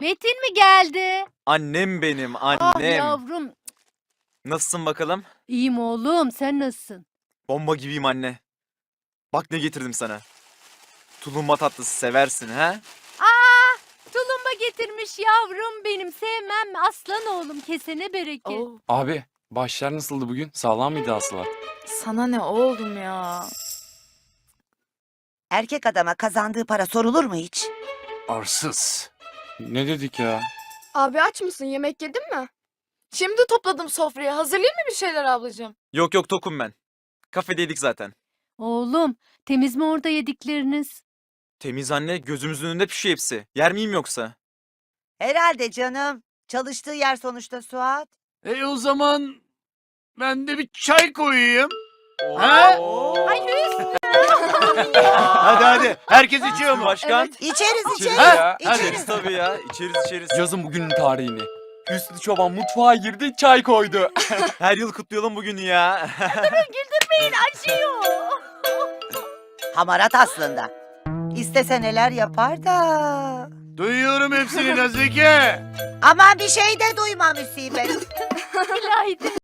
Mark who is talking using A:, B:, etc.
A: Metin mi geldi?
B: Annem benim,
A: Ah
B: annem.
A: yavrum.
B: Nasılsın bakalım?
A: İyiyim oğlum, sen nasılsın?
B: Bomba gibiyim anne. Bak ne getirdim sana. Tulumba tatlısı seversin ha?
A: Tulumba getirmiş yavrum benim, sevmem mi? Aslan oğlum, kesene bereket.
C: Oo,
D: Abi başlar nasıldı bugün? Sağlam mıydı hasılat?
C: sana ne oğlum ya?
E: Erkek adama kazandığı para sorulur mu hiç?
D: Arsız. Ne dedik ya?
F: Abi aç mısın? Yemek yedin mi? Şimdi topladım sofrayı. Hazırlayayım mı bir şeyler ablacığım?
B: Yok yok tokum ben. Kafedeydik zaten.
A: Oğlum, temiz mi orada yedikleriniz?
B: Temiz anne, gözümüzün önünde pişiyor hepsi. Yer miyim yoksa?
E: Herhalde canım. Çalıştığı yer sonuçta Suat.
G: O zaman ben de bir çay koyayım. Ha?
A: Ay Hüsnü!
G: Hadi hadi. Herkes içiyor mu?
B: Başkan.
F: Evet.
E: İçeriz
B: İçeriz
E: içeriz.
D: ya.
B: İçeriz tabii ya. İçeriz.
D: Yazın bugünün tarihini. Hüsnü Çoban mutfağa girdi, çay koydu.
B: Her yıl kutlayalım bugünü ya.
A: Acıyor!
E: Hamarat aslında. İstese neler yapar da.
G: Duyuyorum hepsini Nazike.
E: Aman bir şey de duyma musibet.
A: İlahi